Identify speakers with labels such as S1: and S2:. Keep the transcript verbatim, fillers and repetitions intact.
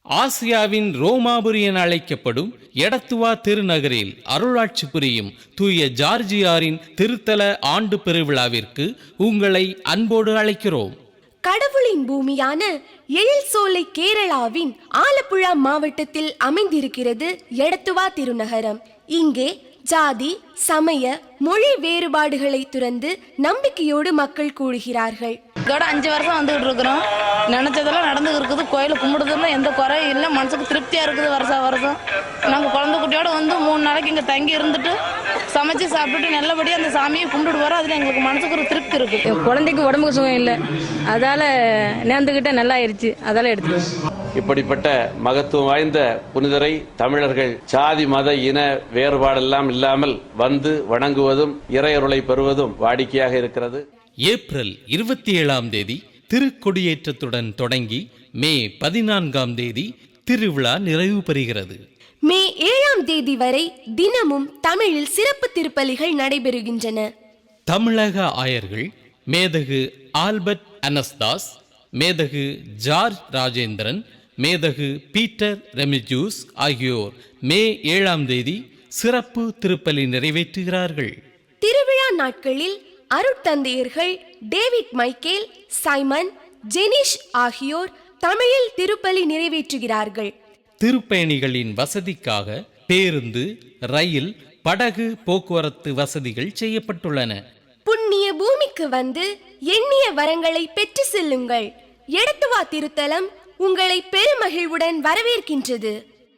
S1: ஆசியாவின் ரோமாபுரி என அழைக்கப்படும் எடத்துவா திருநகரில் அருளாட்சி புரியும் தூய ஜார்ஜியாரின் திருத்தல ஆண்டு பெருவிழாவிற்கு உங்களை அன்போடு அழைக்கிறோம்.
S2: கடவுளின் பூமியான எழில் சோலை கேரளாவின் ஆலப்புழா மாவட்டத்தில் அமைந்திருக்கிறது எடத்துவா திருநகரம். இங்கே ஜாதி, சமய, மொழி வேறுபாடுகளை துறந்து நம்பிக்கையோடு மக்கள் கூடுகிறார்கள்.
S3: இதோட அஞ்சு வருஷம் வந்துகிட்டு இருக்கிறோம். நினைச்சதெல்லாம் நடந்து இருக்குது. கோயிலை கும்பிடுறதுல எந்த குறையும் இல்லை. மனசுக்கு திருப்தியா இருக்குது. வருஷம் வருஷம் நாங்கள் குழந்தை குட்டியோட வந்து மூணு நாளைக்கு இங்கே தங்கி இருந்துட்டு சமைச்சு சாப்பிட்டுட்டு நல்லபடியாக அந்த சாமியை கும்பிட்டு வரோம். அதில் எங்களுக்கு மனசுக்கு ஒரு திருப்தி இருக்கு.
S4: குழந்தைக்கு உடம்புக்கு சுகம் இல்லை, அதால நேர்ந்துகிட்ட நல்லா ஆயிடுச்சு, அதால எடுத்து.
S5: இப்படிப்பட்ட மகத்துவம் வாய்ந்த புனிதரை தமிழர்கள் சாதி மத இன வேறுபாடெல்லாம் இல்லாமல் வந்து வணங்குவதும் இறையருளை பெறுவதும் வாடிக்கையாக இருக்கிறது.
S1: ஏப்ரல் இருபத்தி ஏழாம் தேதி திருக்கொடியேற்றத்துடன் தொடங்கி மே பதினான்காம் தேதி திருவிழா நிறைவு பெறுகிறது.
S2: மே ஏழாம் தேதி வரை தினமும் தமிழில் சிறப்பு திருப்பலிகள் நடைபெறுகின்றன.
S1: தமிழக ஆயர்கள் மேதகு ஆல்பர்ட் அனஸ்தாஸ், மேதகு ஜார்ஜ் ராஜேந்திரன், மேதகு பீட்டர் ரெமிஜூஸ் ஆகியோர் மே ஏழாம் தேதி சிறப்பு திருப்பலி நிறைவேற்றுகிறார்கள்.
S2: திருவிழா நாட்களில் அருட்தந்தையர்கள் டேவிட் மைக்கேல், சைமன், ஜெனிஷ் ஆகியோர் தமிழில் திருப்பலி நிறைவேற்றுகிறார்கள்.
S1: திருப்பயணிகளின் வசதிக்காக பேருந்து, ரயில், படகு போக்குவரத்து வசதிகள் செய்யப்பட்டுள்ளன.
S2: புண்ணிய பூமிக்கு வந்து எண்ணிய வரங்களை பெற்று செல்லுங்கள். எடத்துவா திருத்தலம் உங்களை பெருமகிழ்வுடன் வரவேற்கின்றது.